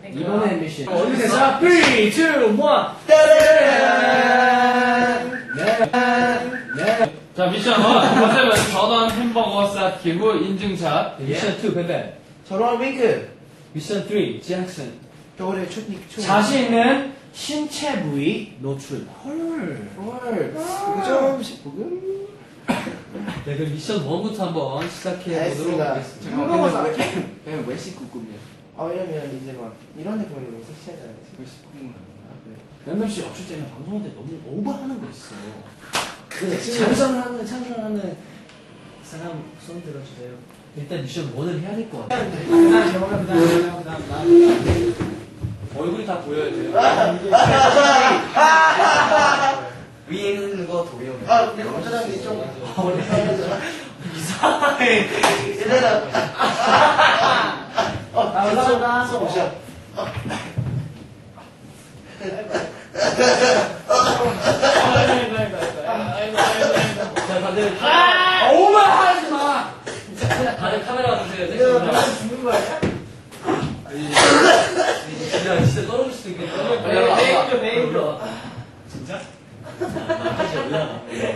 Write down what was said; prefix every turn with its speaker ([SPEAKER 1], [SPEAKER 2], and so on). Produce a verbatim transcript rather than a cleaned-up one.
[SPEAKER 1] 이번에 미션.
[SPEAKER 2] 어디 됐어? 삼, 이, 일.
[SPEAKER 3] 자, 미션 일. 컨셉은 전원 햄버거 쌓기 후 인증샷.
[SPEAKER 1] 미션 이, 벤벤.
[SPEAKER 2] 저런 윙크.
[SPEAKER 1] 미션 삼, 잭슨.
[SPEAKER 2] 겨울에 춥니 추워.
[SPEAKER 1] 자신 있는 신체 부위 노출. 헐.
[SPEAKER 2] 헐. 이거 조금씩 보금.
[SPEAKER 1] 네, 그럼 미션 일부터 한번 시작해 보도록
[SPEAKER 2] 알겠습니다.
[SPEAKER 1] 하겠습니다.
[SPEAKER 2] 햄버거 쌓기?
[SPEAKER 3] 그냥 왜 씻고 꾸며?
[SPEAKER 2] 아 왜냐면 이제 막 이런 데 보면 너무 섹시하잖아요.
[SPEAKER 3] 왜 씻고 꾸며?
[SPEAKER 1] 멤버 씨 없을 때는 방송할 때 너무 오버하는 거 있어.
[SPEAKER 2] 그래,
[SPEAKER 1] 찬성하는 찬성하는 사람 손 들어주세요. 일단 미션 일을 해야 될 것 같아. 얼굴이 다 보여야 돼요.
[SPEAKER 3] 위에 있는 거 도요.
[SPEAKER 2] 아 근데 검사장님 좀 이상해. 얘들아. 어 감사합니다. 써보자.
[SPEAKER 1] 자, 다들 아, 오버하지 마. 다들 카메라 주세요.
[SPEAKER 2] 내가 죽는 거 아니야?
[SPEAKER 1] 야, 진짜 떨어질 수도 있겠다.
[SPEAKER 2] 메인으로 메인으로.
[SPEAKER 1] 진짜? 나 진짜 올라가.